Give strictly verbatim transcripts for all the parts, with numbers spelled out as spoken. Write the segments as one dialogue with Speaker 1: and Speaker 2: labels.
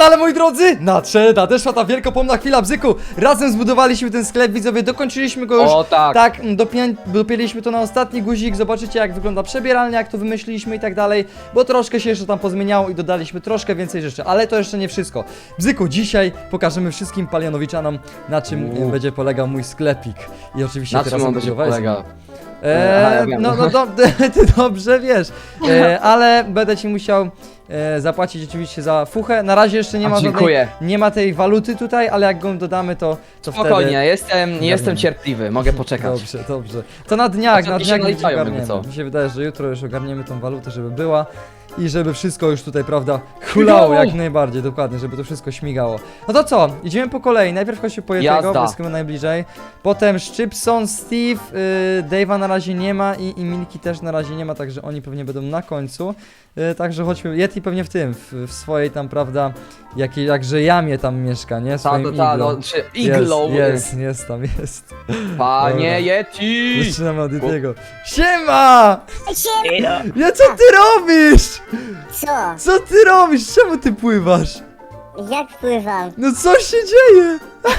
Speaker 1: ale, ale moi drodzy, nadszedł, nadeszła ta wielkopomna chwila, Bzyku. Razem zbudowaliśmy ten sklep, widzowie, dokończyliśmy go już.
Speaker 2: O tak.
Speaker 1: Tak, dopię, dopięliśmy to na ostatni guzik, zobaczycie jak wygląda przebieralnia, jak to wymyśliliśmy i tak dalej, bo troszkę się jeszcze tam pozmieniało i dodaliśmy troszkę więcej rzeczy, ale to jeszcze nie wszystko. Bzyku, dzisiaj pokażemy wszystkim palionowiczanom, na czym
Speaker 2: Uuu.
Speaker 1: będzie polegał mój sklepik. I oczywiście
Speaker 2: Na
Speaker 1: teraz
Speaker 2: czym on będzie
Speaker 1: budowałeś-
Speaker 2: polegał?
Speaker 1: Eee,
Speaker 2: Aha, ja wiem.
Speaker 1: no, no do, ty dobrze wiesz, eee, ale będę ci musiał e, zapłacić oczywiście za fuchę. Na razie jeszcze nie
Speaker 2: A,
Speaker 1: ma
Speaker 2: dziękuję.
Speaker 1: żadnej, nie ma tej waluty tutaj, ale jak go dodamy, to, to
Speaker 2: Spokojnie,
Speaker 1: wtedy...
Speaker 2: jestem, nie jestem cierpliwy, mogę poczekać.
Speaker 1: Dobrze, dobrze. To na dniach,
Speaker 2: Chociaż
Speaker 1: na
Speaker 2: mi się
Speaker 1: dniach już
Speaker 2: naliczają, jakby
Speaker 1: ogarniemy.
Speaker 2: co.
Speaker 1: Mi się wydaje, że jutro już ogarniemy tą walutę, żeby była. I żeby wszystko już tutaj, prawda, hulało jak najbardziej, dokładnie, żeby to wszystko śmigało. No to co? Idziemy po kolei. Najpierw chodźmy po Yetiego,
Speaker 2: Jazda.
Speaker 1: bo jest chyba najbliżej. Potem Szczypson, Steve, yy, Dave'a na razie nie ma i, i Milki też na razie nie ma, także oni pewnie będą na końcu. Yy, także chodźmy, Yeti pewnie w tym, w, w swojej tam, prawda, jakiej, jakże jamie tam mieszka, nie?
Speaker 2: Ta,
Speaker 1: Swoim
Speaker 2: ta, ta,
Speaker 1: iglo.
Speaker 2: no, czy iglo.
Speaker 1: Jest, jest, jest tam, jest.
Speaker 2: Panie
Speaker 1: Dobra.
Speaker 2: Yeti!
Speaker 1: Zaczynamy od Yetiego. Siema!
Speaker 3: Siema.
Speaker 1: Ja co ty robisz?
Speaker 3: Co?
Speaker 1: Co ty robisz? Czemu ty pływasz?
Speaker 3: Jak pływam?
Speaker 1: No co się dzieje?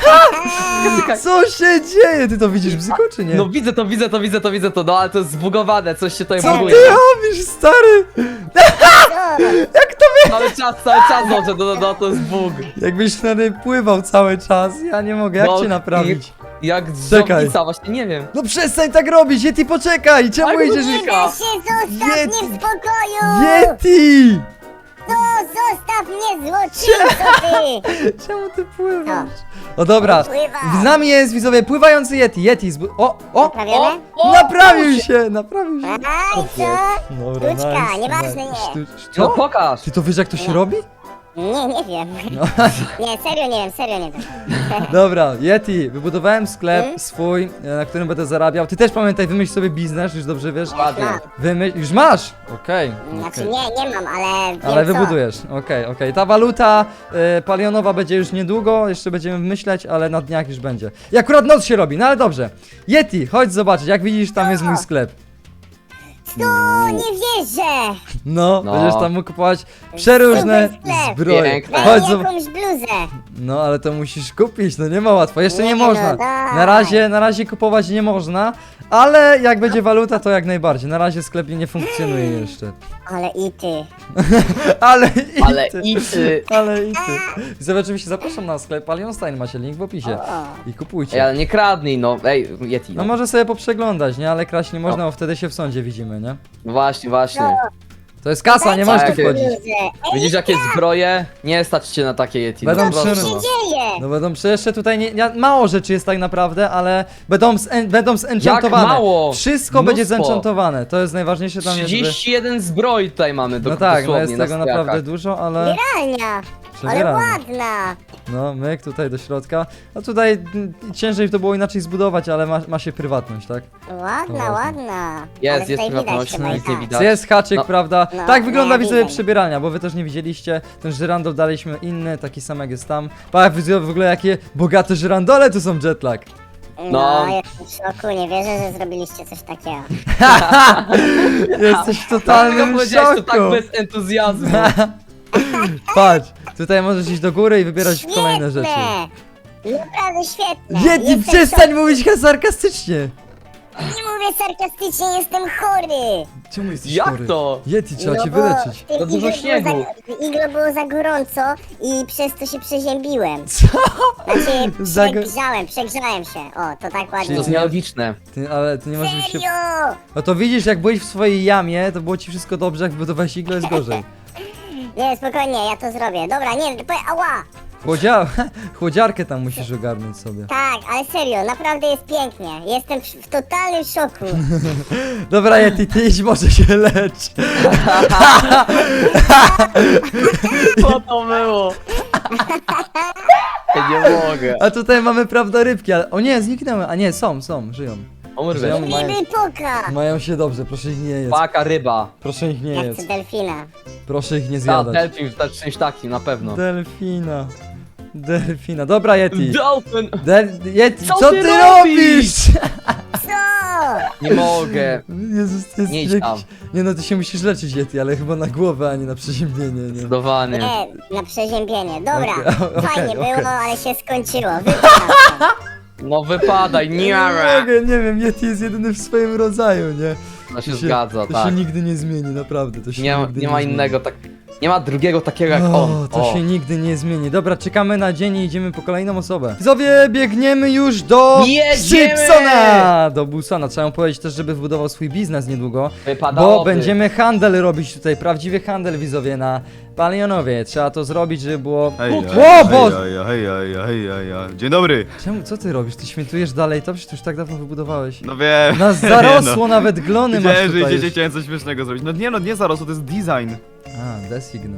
Speaker 1: Co się dzieje? Ty to widzisz, Bzyku, czy nie?
Speaker 2: No widzę to, widzę to, widzę to, widzę to, no ale to jest zbugowane, coś się tutaj
Speaker 3: Co
Speaker 2: buguje.
Speaker 1: Ty robisz, stary?
Speaker 3: Co?
Speaker 1: Jak to wie?
Speaker 2: Cały czas, cały czas, no, że no, no, to jest bug.
Speaker 1: Jakbyś stary pływał cały czas, ja nie mogę, jak
Speaker 2: No,
Speaker 1: cię naprawić?
Speaker 2: Jak
Speaker 1: Czekaj.
Speaker 2: żołnica, właśnie nie wiem.
Speaker 1: No przestań tak robić, Yeti, poczekaj! Czemu
Speaker 2: Ale
Speaker 1: idziesz?
Speaker 2: nie-
Speaker 3: Nie da się, zostaw
Speaker 1: Yeti.
Speaker 3: mnie w spokoju!
Speaker 1: Yeti!
Speaker 3: No, zostaw mnie, złoczyńco ty!
Speaker 1: Czemu ty pływasz? O dobra,
Speaker 3: Pływam.
Speaker 1: z nami jest, widzowie, pływający Yeti, Yeti, zbu- o, o,
Speaker 3: Naprawione?
Speaker 2: o,
Speaker 1: naprawił się, naprawił się.
Speaker 3: Aha, i co?
Speaker 1: Dobra,
Speaker 3: Sztuczka,
Speaker 1: nice,
Speaker 3: nieważne,
Speaker 1: nice.
Speaker 3: nie.
Speaker 1: Sztu-
Speaker 2: No
Speaker 1: Co?
Speaker 2: pokaż.
Speaker 1: Ty to wiesz jak to się robi?
Speaker 3: Nie, nie wiem.
Speaker 1: No.
Speaker 3: Nie, serio nie wiem, serio nie wiem.
Speaker 1: Dobra, Yeti, wybudowałem sklep
Speaker 3: Hmm?
Speaker 1: swój, e, na którym będę zarabiał. Ty też pamiętaj, wymyśl sobie biznes, już dobrze wiesz.
Speaker 2: Ładnie.
Speaker 1: Wymyśl, już masz! Okej,
Speaker 3: Znaczy
Speaker 1: okej.
Speaker 3: nie, nie mam, ale wiem
Speaker 1: Ale
Speaker 3: co.
Speaker 1: wybudujesz, okej, okej. Ta waluta e, palionowa będzie już niedługo, jeszcze będziemy myśleć, ale na dniach już będzie. I akurat noc się robi, no ale dobrze. Yeti, chodź zobaczyć, jak widzisz, tam jest mój sklep.
Speaker 3: No, nie wierzę!
Speaker 1: No,
Speaker 2: No.
Speaker 1: będziesz tam mógł kupować przeróżne
Speaker 3: Super sklep.
Speaker 1: zbroje.
Speaker 2: Piękne.
Speaker 3: Daj
Speaker 1: Chodź
Speaker 3: mi
Speaker 1: zob-
Speaker 3: jakąś bluzę!
Speaker 1: No, ale to musisz kupić, no nie ma łatwo, jeszcze nie,
Speaker 3: Nie, no
Speaker 1: można.
Speaker 3: daj.
Speaker 1: Na razie, na razie kupować nie można, ale jak będzie waluta, to jak najbardziej. Na razie sklep nie funkcjonuje jeszcze.
Speaker 3: Ale i ty.
Speaker 1: Ale i
Speaker 2: Ale
Speaker 1: ty,
Speaker 2: i ty.
Speaker 1: ale i ty. Widzowie, oczywiście zapraszam na sklep Palionstein, macie link w opisie.
Speaker 3: O.
Speaker 1: I
Speaker 2: Ej,
Speaker 1: kupujcie.
Speaker 2: ale nie kradnij, no. Ej, Yeti.
Speaker 1: No
Speaker 2: No,
Speaker 1: może sobie poprzeglądać, nie? Ale kraść nie można, bo wtedy się w sądzie widzimy, nie?
Speaker 2: no właśnie, właśnie.
Speaker 1: To jest kasa, nie możesz tu
Speaker 2: Jakie-
Speaker 1: wchodzić.
Speaker 3: Bluzę. Ej,
Speaker 2: Widzisz jakie zbroje? Nie stać cię na takie Yeti.
Speaker 1: Będą
Speaker 2: no,
Speaker 3: co
Speaker 2: proszę,
Speaker 3: się
Speaker 2: no.
Speaker 3: dzieje?
Speaker 1: No będą przecież jeszcze tutaj nie, nie, mało rzeczy jest tak naprawdę, ale będą, z, będą zenchantowane.
Speaker 2: mało?
Speaker 1: Wszystko będzie
Speaker 2: Mnóstwo.
Speaker 1: zenchantowane. To jest najważniejsze tam jest, żeby...
Speaker 2: trzydzieści jeden zbroi tutaj mamy do
Speaker 1: No tak, no
Speaker 2: dosłownie
Speaker 1: jest tego
Speaker 2: na
Speaker 1: naprawdę
Speaker 2: stojakach.
Speaker 1: dużo, ale...
Speaker 3: Pralnia! Ale
Speaker 1: przebieramy.
Speaker 3: ładna!
Speaker 1: No, myk tutaj do środka. No tutaj mm, ciężej to było inaczej zbudować, ale ma, ma się prywatność, tak?
Speaker 3: Ładna,
Speaker 1: No.
Speaker 3: ładna.
Speaker 2: Jest,
Speaker 3: Ale
Speaker 2: jest
Speaker 3: tutaj widać
Speaker 2: prywatność,
Speaker 3: chyba i
Speaker 2: nic nie
Speaker 3: tak.
Speaker 2: widać.
Speaker 1: Jest haczyk,
Speaker 2: No.
Speaker 1: prawda?
Speaker 3: No,
Speaker 1: tak wygląda,
Speaker 3: nie,
Speaker 1: widzowie,
Speaker 3: widzę.
Speaker 1: przebieralnia, bo wy też nie widzieliście. Ten żyrandol daliśmy inny, taki sam jak jest tam. Patrz, widzowie, w ogóle jakie bogate żyrandole tu są, Jetlag.
Speaker 3: No,
Speaker 2: No.
Speaker 3: jestem w szoku, nie wierzę, że zrobiliście coś takiego.
Speaker 1: Jesteś w
Speaker 2: Dlaczego
Speaker 1: totalnym
Speaker 2: powiedziałeś to tak
Speaker 1: szoku.
Speaker 2: bez entuzjazmu?
Speaker 1: Patrz, tutaj możesz iść do góry i wybierać kolejne rzeczy.
Speaker 3: Naprawdę świetne!
Speaker 1: Yeti,
Speaker 3: Jestem w
Speaker 1: przestań
Speaker 3: szoku.
Speaker 1: mówić sarkastycznie!
Speaker 3: Nie mówię sarkastycznie, jestem chory!
Speaker 1: Czemu jesteś
Speaker 2: Jak
Speaker 1: chory?
Speaker 2: to?
Speaker 1: Yeti, trzeba
Speaker 3: No
Speaker 1: cię
Speaker 3: bo
Speaker 1: wyleczyć.
Speaker 3: w tym
Speaker 2: To dużo
Speaker 3: iglo
Speaker 2: śniegu.
Speaker 3: Było za, iglo było za gorąco i przez to się przeziębiłem.
Speaker 1: Co?
Speaker 3: Znaczy,
Speaker 1: Za go-
Speaker 3: przegrzałem, przegrzałem się. O, to tak
Speaker 2: To
Speaker 3: ładnie.
Speaker 2: jest nielogiczne.
Speaker 1: Ty, ale ty nie możesz się...
Speaker 3: Serio!
Speaker 1: No to widzisz, jak byłeś w swojej jamie, to było ci wszystko dobrze, jak wybudowałeś iglo, jest gorzej.
Speaker 3: Nie, spokojnie, ja to zrobię. Dobra, nie, po, ała!
Speaker 1: Chłodzia... Chłodziarkę tam musisz ogarnąć sobie.
Speaker 3: Tak, ale serio, naprawdę jest pięknie. Jestem w, w totalnym szoku.
Speaker 1: Dobra, Yeti, ty idź, może się lecz.
Speaker 2: Co to było? Ja nie mogę.
Speaker 1: A tutaj mamy, prawda, rybki, ale... O nie, zniknęły, a nie, są, są, żyją.
Speaker 2: Umrę.
Speaker 1: Żyją, mają,
Speaker 3: Ryby poka!
Speaker 1: mają się dobrze, proszę ich nie jeść.
Speaker 2: Paka, ryba.
Speaker 1: Proszę ich nie
Speaker 3: Ja chcę
Speaker 1: jeść.
Speaker 3: delfina.
Speaker 1: Proszę ich nie
Speaker 2: Ta,
Speaker 1: zjadać.
Speaker 2: delfin, to czymś takim, na pewno.
Speaker 1: Delfina. Delfina. Dobra, Yeti.
Speaker 2: Dolphin!
Speaker 1: Del... Yeti,
Speaker 2: Co
Speaker 1: co
Speaker 2: ty
Speaker 1: ty
Speaker 2: robisz?
Speaker 1: robisz?
Speaker 3: Co?
Speaker 2: Nie mogę.
Speaker 1: Jezus, to jest
Speaker 2: Nie idź
Speaker 1: jakiś...
Speaker 2: tam.
Speaker 1: Nie no, ty się musisz leczyć, Yeti, ale chyba na głowę, a nie na przeziębienie, nie?
Speaker 2: Zdecydowanie.
Speaker 3: Nie, na przeziębienie. Dobra,
Speaker 1: Okej,
Speaker 3: fajnie
Speaker 1: okej,
Speaker 3: było,
Speaker 1: okej.
Speaker 3: ale się skończyło. Wypadam.
Speaker 2: No wypadaj,
Speaker 1: Nie
Speaker 2: nie
Speaker 1: mogę, nie wiem, Yeti jest jedyny w swoim rodzaju, nie?
Speaker 2: To się
Speaker 1: To
Speaker 2: zgadza,
Speaker 1: To
Speaker 2: tak.
Speaker 1: się nigdy nie zmieni, naprawdę, to się
Speaker 2: Nie,
Speaker 1: nigdy
Speaker 2: nie ma
Speaker 1: zmieni.
Speaker 2: innego tak. Nie ma drugiego takiego jak
Speaker 1: O,
Speaker 2: on.
Speaker 1: to
Speaker 2: O.
Speaker 1: się nigdy nie zmieni. Dobra, czekamy na dzień i idziemy po kolejną osobę. Widzowie, biegniemy już do
Speaker 2: Jedziemy!
Speaker 1: Szybsona! Do Busona. Trzeba mu powiedzieć też, żeby wbudował swój biznes niedługo. Bo
Speaker 2: Wypadałoby.
Speaker 1: będziemy handel robić tutaj, prawdziwy handel, widzowie, na Palionowie. Trzeba to zrobić, żeby było...
Speaker 4: Hej,
Speaker 1: O
Speaker 4: hej,
Speaker 1: Boże!
Speaker 4: hej, hej, hej, hej, hej, hej. Dzień dobry.
Speaker 1: Czemu, co ty robisz? Ty świętujesz dalej to? Przecież ty już tak dawno wybudowałeś.
Speaker 4: No wiem.
Speaker 1: Nas zarosło, nawet glony masz
Speaker 4: Wiedziałem, że
Speaker 1: tutaj
Speaker 4: idziecie,
Speaker 1: już.
Speaker 4: chciałem coś śmiesznego zrobić. No nie no, nie zarosło, to jest design.
Speaker 1: A, design.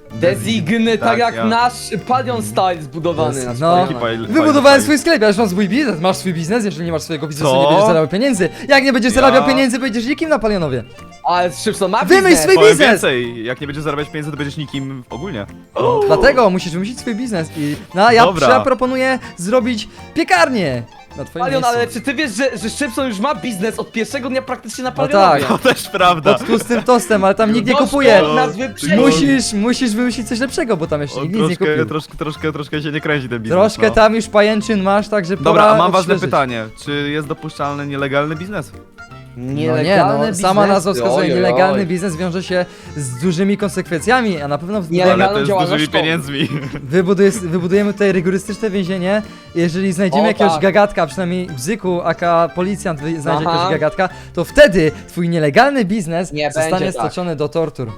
Speaker 2: Designy, tak,
Speaker 4: Tak,
Speaker 2: jak
Speaker 4: ja.
Speaker 2: nasz Palion Style zbudowany.
Speaker 1: Des-
Speaker 2: nasz
Speaker 1: no.
Speaker 2: Palion.
Speaker 4: Taki fajl-
Speaker 1: Wybudowałem
Speaker 4: fajny
Speaker 1: swój sklep, ja już mam swój biznes. Masz swój biznes? Jeżeli nie masz swojego biznesu,
Speaker 4: Co?
Speaker 1: nie będziesz zarabiał pieniędzy. Jak nie będziesz
Speaker 4: Ja-
Speaker 1: zarabiał pieniędzy, będziesz nikim na Palionowie.
Speaker 2: Ale Szybson ma
Speaker 1: Wymyśl
Speaker 2: biznes.
Speaker 1: swój
Speaker 4: Powiem
Speaker 1: biznes!
Speaker 4: więcej, jak nie będziesz zarabiać pieniędzy, to będziesz nikim ogólnie.
Speaker 1: Dlatego musisz wymyślić swój biznes i no ja,
Speaker 4: Dobra.
Speaker 1: ja proponuję zrobić piekarnię na twoim
Speaker 2: Palion,
Speaker 1: miejscu.
Speaker 2: ale czy ty wiesz, że, że Szybson już ma biznes od pierwszego dnia praktycznie na
Speaker 1: No
Speaker 2: Palionowie?
Speaker 1: tak.
Speaker 4: To też prawda.
Speaker 1: Pod tłustym tostem, ale tam nikt nie
Speaker 2: Doszło
Speaker 1: kupuje.
Speaker 2: od nas wyprzedzić.
Speaker 1: Musisz, musisz wymyślić coś lepszego, bo tam jeszcze
Speaker 4: O,
Speaker 1: nikt nic nie
Speaker 4: troszkę,
Speaker 1: kupił.
Speaker 4: troszkę, troszkę, troszkę się nie kręci ten biznes.
Speaker 1: Troszkę
Speaker 4: no.
Speaker 1: tam już pajęczyn masz, także
Speaker 4: Dobra,
Speaker 1: pora
Speaker 4: a mam ważne
Speaker 1: odświeżyć.
Speaker 4: pytanie. Czy jest dopuszczalny nielegalny biznes?
Speaker 1: No nie,
Speaker 2: Nielegalne
Speaker 1: no, sama
Speaker 2: biznesy,
Speaker 1: nazwa wskazuje,
Speaker 2: oj, oj,
Speaker 1: nielegalny
Speaker 2: oj.
Speaker 1: biznes wiąże się z dużymi konsekwencjami, a na pewno w
Speaker 2: Nielegalną
Speaker 4: Ale to jest z dużymi
Speaker 2: działalnością.
Speaker 4: pieniędzmi.
Speaker 1: Wybuduje, wybudujemy tutaj rygorystyczne więzienie. Jeżeli znajdziemy
Speaker 2: O,
Speaker 1: jakiegoś
Speaker 2: tak.
Speaker 1: gagatka, przynajmniej bzyku, aka policjant wy- znajdzie
Speaker 2: Aha.
Speaker 1: jakiegoś gagatka, to wtedy twój nielegalny biznes
Speaker 2: Nie
Speaker 1: zostanie
Speaker 2: będzie tak.
Speaker 1: stoczony do tortur.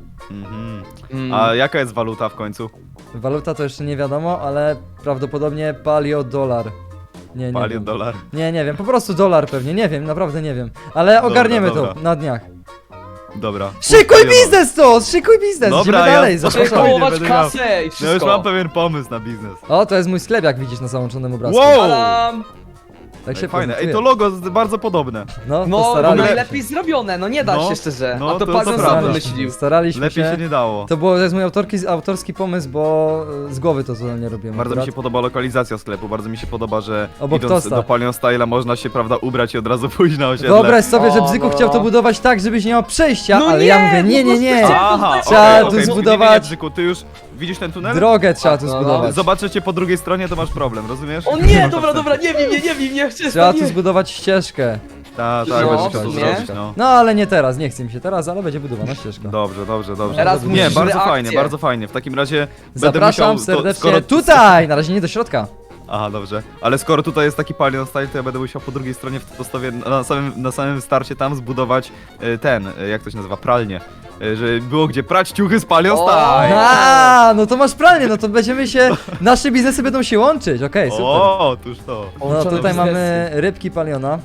Speaker 4: Mhm.
Speaker 2: Mm.
Speaker 4: A jaka jest waluta w końcu?
Speaker 1: Waluta to jeszcze nie wiadomo, ale prawdopodobnie palio dolar. Nie, nie
Speaker 4: Palion
Speaker 1: wiem.
Speaker 4: dolar.
Speaker 1: Nie, nie wiem, po prostu dolar pewnie, nie wiem, naprawdę nie wiem. Ale ogarniemy
Speaker 4: dobra.
Speaker 1: to na dniach.
Speaker 4: Dobra.
Speaker 1: Szykuj
Speaker 4: Palionowa.
Speaker 1: biznes to! Szykuj biznes!
Speaker 4: Dobra,
Speaker 1: Idziemy
Speaker 4: ja-
Speaker 1: dalej,
Speaker 4: Proszę,
Speaker 1: zapraszam.
Speaker 4: spokojnie,
Speaker 2: Kupować
Speaker 4: będę miał-
Speaker 2: kasę i
Speaker 4: No już
Speaker 2: wszystko.
Speaker 4: mam pewien pomysł na biznes.
Speaker 1: O, to jest mój sklep, jak widzisz na załączonym obrazku.
Speaker 4: Wow!
Speaker 2: Tadam!
Speaker 1: Tak się
Speaker 4: Ej, fajne.
Speaker 1: prezentuje.
Speaker 4: Ej, to logo jest bardzo podobne.
Speaker 1: No, to
Speaker 2: No, bo
Speaker 1: starali
Speaker 2: najlepiej zrobione, no nie da
Speaker 4: No,
Speaker 2: się szczerze.
Speaker 4: no,
Speaker 2: A to,
Speaker 4: to-
Speaker 2: Palion
Speaker 4: to
Speaker 2: sam
Speaker 4: prawda.
Speaker 2: wymyślił.
Speaker 1: Staraliśmy
Speaker 4: Lepiej
Speaker 1: się.
Speaker 4: się nie dało.
Speaker 1: To, było, to jest mój autorki, autorski pomysł, bo e, z głowy to zupełnie robiłem.
Speaker 4: Bardzo mi się
Speaker 1: akurat.
Speaker 4: podoba lokalizacja sklepu, bardzo mi się podoba, że
Speaker 1: Obok
Speaker 4: idąc
Speaker 1: tosta.
Speaker 4: do Palion Style'a można się, prawda, ubrać i od razu pójść na osiedle.
Speaker 1: Wyobraź sobie, że
Speaker 2: O,
Speaker 1: Bzyku
Speaker 2: no.
Speaker 1: chciał to budować tak, żebyś nie miał przejścia,
Speaker 2: No
Speaker 1: ale
Speaker 2: nie,
Speaker 1: ja mówię, nie,
Speaker 2: no
Speaker 1: nie, nie.
Speaker 2: bo
Speaker 4: Aha,
Speaker 1: Trzeba
Speaker 4: okej,
Speaker 1: tu
Speaker 4: okej.
Speaker 1: zbudować-
Speaker 4: Nie, nie, Bzyku, ty już widzisz ten tunel?
Speaker 1: Drogę trzeba tu
Speaker 2: No, no.
Speaker 1: zbudować.
Speaker 4: Zobaczę cię po drugiej stronie, to masz problem, rozumiesz?
Speaker 2: O nie, dobra, dobra, nie wiem, nie, nie wiem, nie chcę.
Speaker 1: Trzeba
Speaker 2: nie.
Speaker 1: tu zbudować ścieżkę.
Speaker 4: Tak, tak,
Speaker 2: No,
Speaker 4: będziesz
Speaker 2: w
Speaker 4: to
Speaker 2: sumie.
Speaker 4: zrobić, no.
Speaker 1: No ale nie teraz, nie chce mi się teraz, ale będzie budowana ścieżka.
Speaker 4: Dobrze, dobrze, dobrze.
Speaker 2: Teraz
Speaker 4: nie,
Speaker 2: musisz
Speaker 4: bardzo
Speaker 2: reakcję.
Speaker 4: fajnie, bardzo fajnie. W takim razie będę
Speaker 1: Zapraszam
Speaker 4: musiał, to,
Speaker 1: serdecznie
Speaker 4: skoro,
Speaker 1: tutaj, na razie nie do środka.
Speaker 4: Aha, dobrze. Ale skoro tutaj jest taki Palion Style, to ja będę musiał po drugiej stronie w postawie na samym, na samym starcie tam zbudować y, ten, y, jak to się nazywa, pralnię. Y, żeby było gdzie prać ciuchy z Palion
Speaker 2: O!
Speaker 4: Style.
Speaker 1: A, no to masz pralnię, no to będziemy się, nasze biznesy będą się łączyć, okej, super.
Speaker 4: O, tuż to.
Speaker 1: No
Speaker 2: Łączone
Speaker 1: tutaj
Speaker 2: biznesy.
Speaker 1: mamy rybki paliona.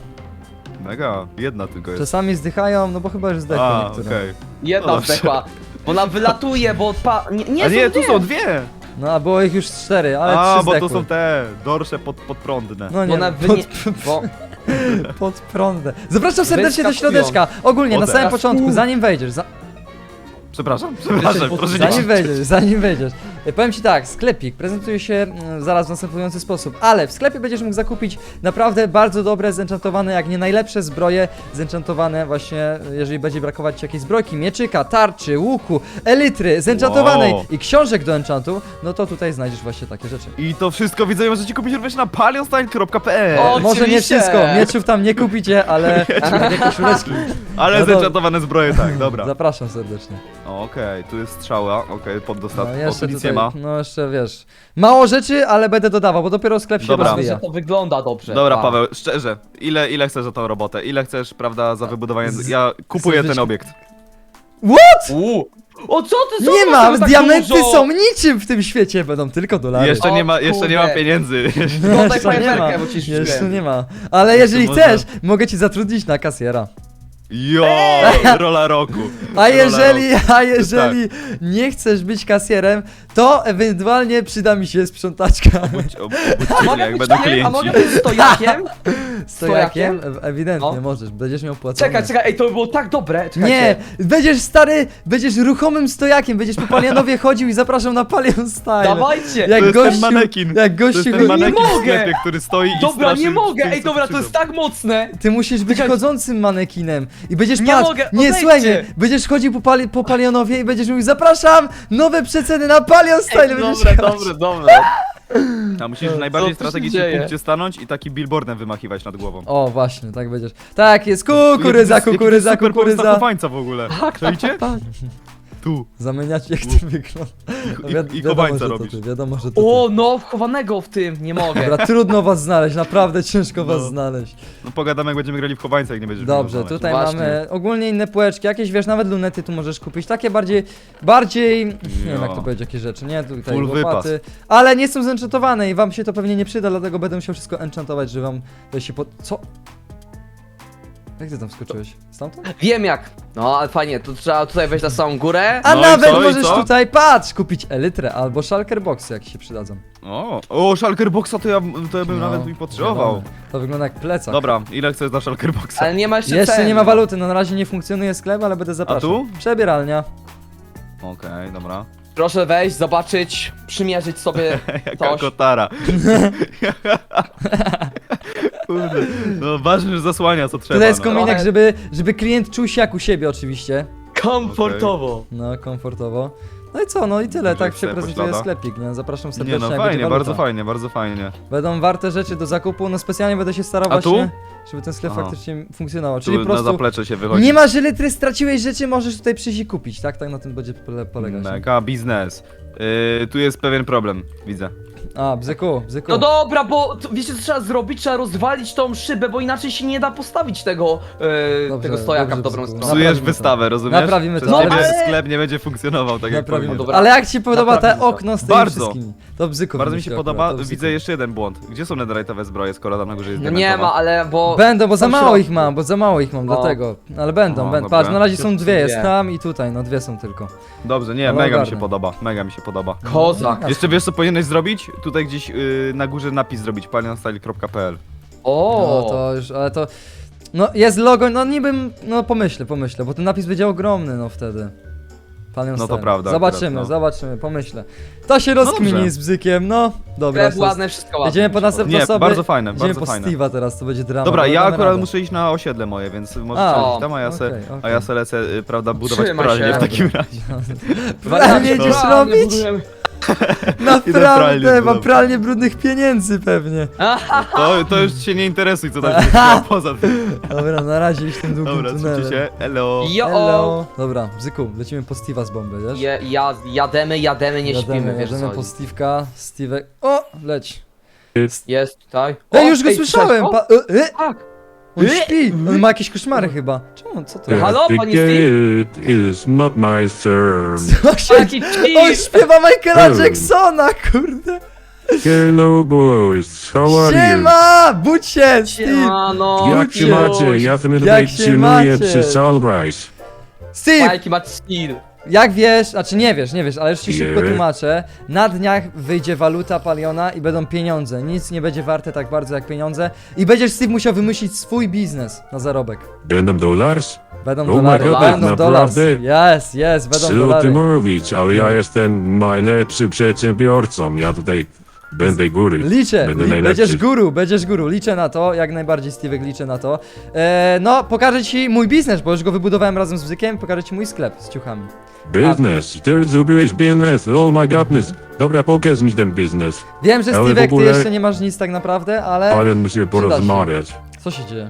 Speaker 4: Mega, jedna tylko jest.
Speaker 1: Czasami zdychają, no bo chyba już zdechły
Speaker 4: A,
Speaker 1: niektóre.
Speaker 4: okej.
Speaker 2: Jedna
Speaker 4: Dobrze.
Speaker 2: zdechła. Bo ona wylatuje, bo pa... Nie, nie,
Speaker 4: A nie,
Speaker 2: są
Speaker 4: tu są dwie!
Speaker 1: No a było ich już cztery, ale
Speaker 4: A,
Speaker 1: trzy
Speaker 4: bo
Speaker 1: zdechły.
Speaker 4: to są te dorsze pod, podprądne.
Speaker 1: No
Speaker 2: Bo
Speaker 1: nie,
Speaker 2: ona
Speaker 1: pod,
Speaker 2: wynie... Bo...
Speaker 1: pod prądem. Zapraszam serdecznie do
Speaker 2: Wyskakują.
Speaker 1: środeczka. Ogólnie, na
Speaker 4: Potem.
Speaker 1: samym początku, zanim wejdziesz, za,
Speaker 4: Przepraszam, przepraszam,
Speaker 2: pod-
Speaker 4: proszę nie
Speaker 1: zanim
Speaker 4: krzyczeć.
Speaker 1: wejdziesz, zanim wejdziesz. E, Powiem ci tak, sklepik prezentuje się mm, zaraz w następujący sposób, ale w sklepie będziesz mógł zakupić naprawdę bardzo dobre, zenchantowane, jak nie najlepsze zbroje, zenchantowane właśnie, jeżeli będzie brakować ci jakiejś zbrojki, mieczyka, tarczy, łuku, elitry, zenchantowanej
Speaker 4: Wow.
Speaker 1: i książek do enchantu, no to tutaj znajdziesz właśnie takie rzeczy.
Speaker 4: I to wszystko widzę, możecie kupić również na palionstyle kropka p l.
Speaker 2: O,
Speaker 1: Może nie
Speaker 2: oczywiście.
Speaker 1: wszystko, mieczów tam nie kupicie, ale takie koszuleczki.
Speaker 4: Ale
Speaker 1: No to-
Speaker 4: zenchantowane zbroje, tak, dobra.
Speaker 1: Zapraszam serdecznie.
Speaker 4: O, Okej, tu jest strzała, okej, pod dostaw.
Speaker 1: No
Speaker 4: o,
Speaker 1: jeszcze
Speaker 4: tu nic
Speaker 1: tutaj,
Speaker 4: nie ma.
Speaker 1: no jeszcze wiesz, mało rzeczy, ale będę dodawał, bo dopiero sklep się
Speaker 4: Dobra.
Speaker 1: rozwija.
Speaker 2: Że to wygląda dobrze.
Speaker 4: Dobra,
Speaker 2: A.
Speaker 4: Paweł, szczerze, ile, ile chcesz za tą robotę? Ile chcesz, prawda, za wybudowanie? Ja kupuję
Speaker 1: z-
Speaker 4: ten obiekt.
Speaker 1: What?
Speaker 2: Uuu. O co ty, co
Speaker 1: Nie
Speaker 2: ty
Speaker 1: ma,
Speaker 2: masz tak
Speaker 1: diamenty
Speaker 2: dużo?
Speaker 1: są niczym w tym świecie, będą tylko dolary.
Speaker 4: Jeszcze
Speaker 2: O,
Speaker 4: nie ma, jeszcze nie ma
Speaker 2: kurde.
Speaker 4: pieniędzy.
Speaker 2: No daj
Speaker 1: Jeszcze nie ma,
Speaker 2: fajerwerkę, bo ci
Speaker 1: jeszcze
Speaker 2: rzuciłem.
Speaker 1: nie ma. Ale jeżeli
Speaker 4: można.
Speaker 1: chcesz, mogę ci zatrudnić na kasjera.
Speaker 4: Jo, rola roku.
Speaker 1: A
Speaker 4: Rola
Speaker 1: jeżeli,
Speaker 4: roku.
Speaker 1: a jeżeli nie chcesz być kasjerem, to ewentualnie przyda mi się sprzątaczka.
Speaker 4: Obudź, ob,
Speaker 2: A
Speaker 4: obudźcie mnie,
Speaker 2: mogę
Speaker 4: jak
Speaker 2: być
Speaker 4: będą
Speaker 2: tym? A
Speaker 4: klienci.
Speaker 2: mogę być stojakiem?
Speaker 1: Stojakiem? E- Ewidentnie
Speaker 2: No.
Speaker 1: możesz, będziesz miał płacone.
Speaker 2: Czekaj, czekaj, ej, to by było tak dobre.
Speaker 1: Nie,
Speaker 2: Czekajcie.
Speaker 1: będziesz stary, będziesz ruchomym stojakiem, będziesz po Palianowie chodził i zapraszam na Palion Style.
Speaker 2: Dawajcie!
Speaker 1: Jak
Speaker 4: To jest
Speaker 1: gościu,
Speaker 4: ten manekin.
Speaker 1: jak
Speaker 4: To jest
Speaker 1: gościu,
Speaker 4: ten manekin
Speaker 2: Nie
Speaker 4: w
Speaker 2: mogę.
Speaker 4: sklepie, który stoi i
Speaker 2: Dobra,
Speaker 4: straszy
Speaker 2: nie mogę!
Speaker 4: tych,
Speaker 2: Ej,
Speaker 4: co
Speaker 2: dobra, to
Speaker 4: przyjdą.
Speaker 2: jest tak mocne!
Speaker 1: ty musisz być
Speaker 2: Czekaj.
Speaker 1: chodzącym manekinem i będziesz
Speaker 2: Nie
Speaker 1: patrz,
Speaker 2: mogę,
Speaker 1: nie
Speaker 2: odejdźcie.
Speaker 1: słuchaj mnie, będziesz chodził po, pali, po Palionowie i będziesz mówił zapraszam, nowe przeceny na Palion Style, będziesz
Speaker 2: Dobre,
Speaker 1: jechać.
Speaker 2: dobre, dobre.
Speaker 4: A musisz w
Speaker 2: Co
Speaker 4: najbardziej
Speaker 2: tu się
Speaker 4: strategicznym
Speaker 2: dzieje?
Speaker 4: punkcie stanąć i taki billboardem wymachiwać nad głową.
Speaker 1: O właśnie, tak będziesz. Tak jest, kukurydza,
Speaker 4: Jaki to jest
Speaker 1: kukurydza,
Speaker 4: super pomysł na
Speaker 1: kukurydza.
Speaker 4: chowańca w ogóle.
Speaker 2: Tak,
Speaker 4: Czajcie?
Speaker 2: tak.
Speaker 4: Tu.
Speaker 1: Zamieniać jak ty wygląda. No
Speaker 4: I,
Speaker 1: wiad-
Speaker 4: i
Speaker 1: wiadomo,
Speaker 4: chowańca
Speaker 1: że to
Speaker 4: robisz.
Speaker 1: ty, wiadomo, że to ty.
Speaker 2: O, no, chowanego w tym, nie mogę.
Speaker 1: Dobra, trudno was znaleźć, naprawdę ciężko was
Speaker 4: No.
Speaker 1: znaleźć.
Speaker 4: No pogadamy jak będziemy grali w chowańca, jak nie będziesz
Speaker 1: Dobrze,
Speaker 4: umiał znaleźć.
Speaker 1: tutaj
Speaker 2: Właśnie.
Speaker 1: mamy ogólnie inne półeczki, jakieś wiesz, nawet lunety tu możesz kupić, takie bardziej, bardziej, nie wiem jak to
Speaker 4: Jo.
Speaker 1: powiedzieć, jakie rzeczy, nie, tutaj
Speaker 4: Full
Speaker 1: łopaty, ale nie są zenchantowane i wam się to pewnie nie przyda, dlatego będę musiał wszystko enchantować, że wam to się pod... co? Jak ty tam skoczyłeś? Stamtąd?
Speaker 2: Wiem jak. No, ale fajnie, to trzeba tutaj wejść na samą górę.
Speaker 1: A
Speaker 4: No i
Speaker 1: nawet
Speaker 4: co, i
Speaker 1: możesz
Speaker 4: co?
Speaker 1: tutaj, patrz, kupić elytrę albo shulker boxy, jak się przydadzą.
Speaker 4: O, o Shulker Boxa to ja, to ja bym
Speaker 1: No,
Speaker 4: nawet mi potrzebował.
Speaker 1: wiadomo. To wygląda jak plecak.
Speaker 4: Dobra, ile chcesz za Shulker Boxa?
Speaker 2: Ale nie ma jeszcze
Speaker 1: Jeszcze
Speaker 2: cen.
Speaker 1: nie ma waluty, no na razie nie funkcjonuje sklep, ale będę zapraszał.
Speaker 4: tu?
Speaker 1: Przebieralnia.
Speaker 4: Okej, dobra.
Speaker 2: Proszę wejść, zobaczyć, przymierzyć sobie
Speaker 4: Jaka
Speaker 2: coś.
Speaker 4: kotara. Kurde. No ważne, że zasłania co trzeba.
Speaker 1: Tutaj jest
Speaker 4: no.
Speaker 1: kominek,
Speaker 2: Trochę-
Speaker 1: żeby, żeby klient czuł się jak u siebie oczywiście.
Speaker 2: Komfortowo.
Speaker 1: No, komfortowo. No i co, no i tyle,
Speaker 4: Może
Speaker 1: tak się
Speaker 4: chcę
Speaker 1: prezentuje
Speaker 4: poślada?
Speaker 1: sklepik, nie? Zapraszam
Speaker 4: Nie
Speaker 1: serdecznie.
Speaker 4: no,
Speaker 1: jak
Speaker 4: fajnie,
Speaker 1: będzie waluta.
Speaker 4: bardzo fajnie, bardzo fajnie.
Speaker 1: Będą warte rzeczy do zakupu, no specjalnie będę się starał
Speaker 4: A tu?
Speaker 1: właśnie, żeby ten sklep
Speaker 4: Aha.
Speaker 1: faktycznie funkcjonował.
Speaker 4: Tu
Speaker 1: Czyli po
Speaker 4: na
Speaker 1: prostu
Speaker 4: zaplecze się wychodzi.
Speaker 1: nie masz litry, straciłeś rzeczy, możesz tutaj przyjść i kupić, tak? Tak na tym będzie pole polegać. nie?
Speaker 4: Mega biznes. Yy, tu jest pewien problem, widzę.
Speaker 1: A, bzyku, bzyku.
Speaker 2: No dobra, bo to, wiecie co trzeba zrobić? Trzeba rozwalić tą szybę, bo inaczej się nie da postawić tego, e,
Speaker 1: Dobrze,
Speaker 2: tego stojaka
Speaker 1: dobrze,
Speaker 2: w dobrą
Speaker 1: Bzyku.
Speaker 2: stronę.
Speaker 4: Psujesz
Speaker 1: Naprawimy to.
Speaker 4: wystawę, rozumiesz?
Speaker 1: Naprawimy to,
Speaker 4: Przez ciebie
Speaker 2: ale-
Speaker 4: sklep nie będzie funkcjonował tak jak
Speaker 1: Naprawimy
Speaker 4: powinien.
Speaker 1: to.
Speaker 2: Dobra.
Speaker 1: Ale jak ci podoba te
Speaker 2: Naprawimy to.
Speaker 1: okno z tymi
Speaker 4: Bardzo.
Speaker 1: wszystkimi? To bzyku
Speaker 4: Bardzo mi się
Speaker 1: wymyślił
Speaker 4: podoba,
Speaker 1: akurat, to
Speaker 4: widzę
Speaker 1: bzyku.
Speaker 4: jeszcze jeden błąd. Gdzie są netherite'owe zbroje, skoro tam na górze jest
Speaker 2: No nie
Speaker 4: diamentowa?
Speaker 2: ma, ale bo...
Speaker 1: Będą, bo za
Speaker 2: są w
Speaker 1: mało
Speaker 2: środku.
Speaker 1: ich mam, bo za mało ich mam,
Speaker 2: No.
Speaker 1: dlatego. Ale będą,
Speaker 4: No,
Speaker 1: będą.
Speaker 4: dobra.
Speaker 1: Patrz, na razie są
Speaker 2: Są
Speaker 1: dwie, jest
Speaker 2: dwie.
Speaker 1: tam i tutaj, no dwie są tylko.
Speaker 4: Dobrze, nie,
Speaker 1: Ale
Speaker 4: mega mi
Speaker 1: ogarnę.
Speaker 4: się podoba, mega mi się podoba.
Speaker 2: Kozak.
Speaker 4: Jeszcze wiesz co powinieneś zrobić? Tutaj gdzieś yy, na górze napis zrobić, palionstyle kropka p l.
Speaker 2: O,
Speaker 1: No to już, ale to... No jest logo, no niby, no pomyślę, pomyślę, bo ten napis będzie ogromny, no wtedy. Panią
Speaker 4: No to
Speaker 1: Star.
Speaker 4: prawda
Speaker 1: Zobaczymy,
Speaker 4: akurat, no.
Speaker 1: zobaczymy, pomyślę. To się rozkmini
Speaker 4: dobrze.
Speaker 1: z bzykiem, no. Dobra,
Speaker 2: sklep
Speaker 1: to-
Speaker 2: ładne, wszystko ładne.
Speaker 1: Jedziemy po następne
Speaker 4: Nie,
Speaker 1: osoby.
Speaker 4: bardzo fajne,
Speaker 1: Jedziemy
Speaker 4: bardzo
Speaker 1: po
Speaker 4: fajne.
Speaker 1: Steve'a teraz, to będzie drama.
Speaker 4: Dobra,
Speaker 1: ale
Speaker 4: ja
Speaker 1: damy
Speaker 4: akurat
Speaker 1: radę.
Speaker 4: muszę iść na osiedle moje, więc możesz
Speaker 1: A,
Speaker 4: iść tam, a ja se,
Speaker 1: okej,
Speaker 4: a
Speaker 1: okej.
Speaker 4: ja se lecę, y, prawda, budować
Speaker 2: Trzymaj
Speaker 4: pralnię
Speaker 2: się.
Speaker 4: w takim razie.
Speaker 1: Pralnię jedziesz
Speaker 2: Pralnie
Speaker 1: robić?
Speaker 2: budujemy.
Speaker 4: pralnię
Speaker 1: Naprawdę, mam
Speaker 4: zbudować.
Speaker 1: pralnię brudnych pieniędzy pewnie.
Speaker 4: To, to już się nie interesuj, co tam się dzieje poza tym.
Speaker 1: Dobra, na razie iść tym długim
Speaker 4: Dobra,
Speaker 1: tunelem.
Speaker 4: trzymajcie się, elo.
Speaker 2: Jo,
Speaker 1: Hello. Dobra, Bzyku, lecimy po Steve'a z bomby, wiesz?
Speaker 2: Je, ja, jademy, jademy, nie
Speaker 1: Jademy,
Speaker 2: śpimy, wiesz
Speaker 1: jademy
Speaker 2: co.
Speaker 1: po Steve'ka, Steve'ek... O, leć.
Speaker 2: Jest tutaj.
Speaker 1: Ej,
Speaker 2: O,
Speaker 1: już go
Speaker 2: ej,
Speaker 1: słyszałem!
Speaker 2: słyszałeś
Speaker 1: Pa...
Speaker 2: go?
Speaker 1: E, e,
Speaker 2: Tak.
Speaker 1: on
Speaker 2: E,
Speaker 1: śpi! On ma jakieś koszmary chyba. Czemu, co to jest?
Speaker 2: Halo,
Speaker 5: The
Speaker 2: panie Steve?
Speaker 5: gate is not my turn.
Speaker 1: Co się...
Speaker 2: Taki
Speaker 1: On
Speaker 2: chill.
Speaker 1: śpiewa Michaela
Speaker 5: Hmm.
Speaker 1: Jacksona, kurde!
Speaker 5: Hello boys, how are you?
Speaker 1: Siema! Budź się, Steve!
Speaker 2: Siemano,
Speaker 5: Jak się
Speaker 2: Ciuś.
Speaker 5: macie? Ja ten
Speaker 1: Jak
Speaker 5: tutaj
Speaker 1: się
Speaker 5: chilluję
Speaker 1: macie?
Speaker 5: przy Sunrise.
Speaker 1: Steve!
Speaker 2: Jaki ma chill.
Speaker 1: Jak wiesz, znaczy nie wiesz, nie wiesz, ale już ci szybko
Speaker 5: Nie.
Speaker 1: tłumaczę. Na dniach wyjdzie waluta Paliona i będą pieniądze. Nic nie będzie warte tak bardzo jak pieniądze. I będziesz, Steve, musiał wymyślić swój biznes na zarobek.
Speaker 5: Będą dollars?
Speaker 1: Będą
Speaker 5: Oh my
Speaker 1: dolary,
Speaker 2: God,
Speaker 1: będą dolars.
Speaker 5: naprawdę?
Speaker 1: Yes, yes, będą
Speaker 5: Co ty
Speaker 1: dolary.
Speaker 5: mówić, ale ja jestem najlepszym przedsiębiorcą. Ja tutaj będę góry.
Speaker 1: Liczę,
Speaker 5: Będę
Speaker 1: li,
Speaker 5: najlepszy.
Speaker 1: będziesz guru, będziesz guru, liczę na to, jak najbardziej Steve'ek liczę na to. E, no, pokażę ci mój biznes, bo już go wybudowałem razem z Bzykiem, pokażę ci mój sklep z ciuchami.
Speaker 5: Biznes, ty zrobiłeś biznes, oh my godness. Dobra, pokaż mi ten biznes.
Speaker 1: Wiem, że
Speaker 5: Ale w
Speaker 1: Steve'ek, ty
Speaker 5: ogóle-
Speaker 1: jeszcze nie masz nic tak naprawdę, ale...
Speaker 5: Ale musimy porozmawiać.
Speaker 1: Co się dzieje?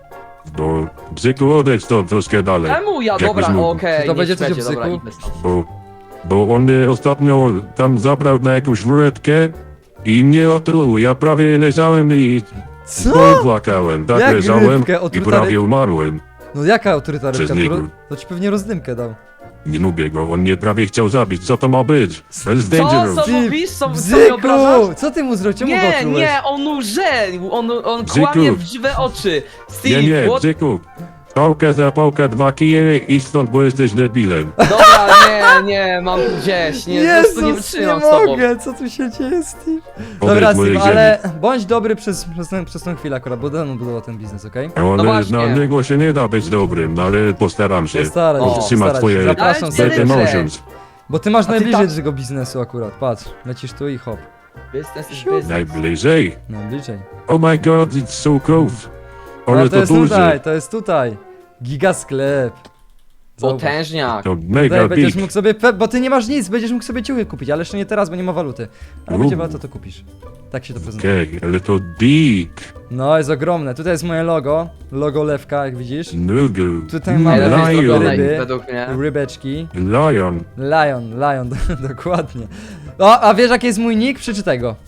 Speaker 5: Bo bzyku odejdź to troszkę dalej.
Speaker 2: Czemu ja?
Speaker 5: Jakbyś
Speaker 2: Dobra,
Speaker 5: mógł.
Speaker 2: okej,
Speaker 1: Czy to
Speaker 2: niech
Speaker 1: będzie coś o
Speaker 2: będzie, dobra,
Speaker 1: bzyku?
Speaker 2: idźmy stąd.
Speaker 5: Bo, bo on mnie ostatnio tam zabrał na jakąś wrótkę i mnie otruł. Ja prawie leżałem i
Speaker 1: Co?
Speaker 5: płakałem. Tak
Speaker 1: Jak
Speaker 5: leżałem
Speaker 1: rybkę
Speaker 5: i
Speaker 1: otruta
Speaker 5: prawie
Speaker 1: ryb-
Speaker 5: umarłem.
Speaker 1: No jaka autoryta
Speaker 5: Przez
Speaker 1: rybka? To,
Speaker 5: niego.
Speaker 1: to ci pewnie rozdymkę dał.
Speaker 5: Nie lubię go, on mnie prawie chciał zabić. Co to ma być? To jest
Speaker 2: Co,
Speaker 5: dangerous.
Speaker 2: co mówisz? Co, co mnie obrażasz?
Speaker 1: Bzyku! Co ty mu zrobił? Czemu go
Speaker 2: Nie,
Speaker 1: otrułeś?
Speaker 2: nie, on łże, on, on
Speaker 5: Bzyku.
Speaker 2: kłamie w żywe oczy. Steve,
Speaker 5: Nie, nie,
Speaker 2: what?
Speaker 5: bzyku. Pałka za pałka, dwa kije i stąd, bo jesteś debilem.
Speaker 2: Dobra, nie, nie, mam tu gdzieś, nie, po prostu nie
Speaker 1: Jezus, nie
Speaker 2: wytrzymam z tobą.
Speaker 1: mogę, co tu się dzieje, Steve?
Speaker 5: Odejdź
Speaker 1: Dobra,
Speaker 5: z mojej
Speaker 1: Steve,
Speaker 5: ziemi.
Speaker 1: ale bądź dobry przez, przez, tę, przez tą chwilę akurat, bo dawno budował ten biznes, okej?
Speaker 5: Ale
Speaker 2: właśnie.
Speaker 5: na niego się nie da być dobrym, ale postaram się.
Speaker 1: Postaraj się,
Speaker 2: O,
Speaker 5: Trzyma
Speaker 1: postaraj
Speaker 5: twoje
Speaker 1: się. Zapraszam
Speaker 2: Ale
Speaker 5: bad
Speaker 2: cię
Speaker 1: serdecznie.
Speaker 2: dobrze.
Speaker 5: emotions.
Speaker 1: Bo ty masz
Speaker 2: ty
Speaker 1: najbliżej
Speaker 2: tak-
Speaker 1: tego biznesu akurat, patrz, lecisz tu i hop,
Speaker 2: Business is
Speaker 1: Siu.
Speaker 2: business.
Speaker 5: Najbliżej.
Speaker 1: najbliżej.
Speaker 5: Oh my god, it's so close. Ale
Speaker 1: No to
Speaker 5: to
Speaker 1: jest
Speaker 5: duży.
Speaker 1: tutaj, to jest tutaj. Giga sklep. Zauważ.
Speaker 2: Potężniak.
Speaker 5: To
Speaker 1: Tutaj
Speaker 5: mega
Speaker 1: będziesz
Speaker 5: big.
Speaker 1: mógł sobie, pe- bo ty nie masz nic, będziesz mógł sobie ciuchy kupić, ale jeszcze nie teraz, bo nie ma waluty. Ale będzie
Speaker 5: Uuu.
Speaker 1: waluta, to kupisz. Tak się to prezentuje.
Speaker 5: Okej, ale to big.
Speaker 1: No, jest ogromne. Tutaj jest moje logo. Logo lewka, jak widzisz.
Speaker 5: Nugu.
Speaker 1: Tutaj
Speaker 2: Ej,
Speaker 1: mamy
Speaker 2: lepiej
Speaker 1: ryby.
Speaker 2: zrobione
Speaker 1: ryby.
Speaker 2: według mnie.
Speaker 1: Rybeczki.
Speaker 5: Lion.
Speaker 1: Lion, lion, dokładnie. O, a wiesz jaki jest mój nick? Przeczytaj go.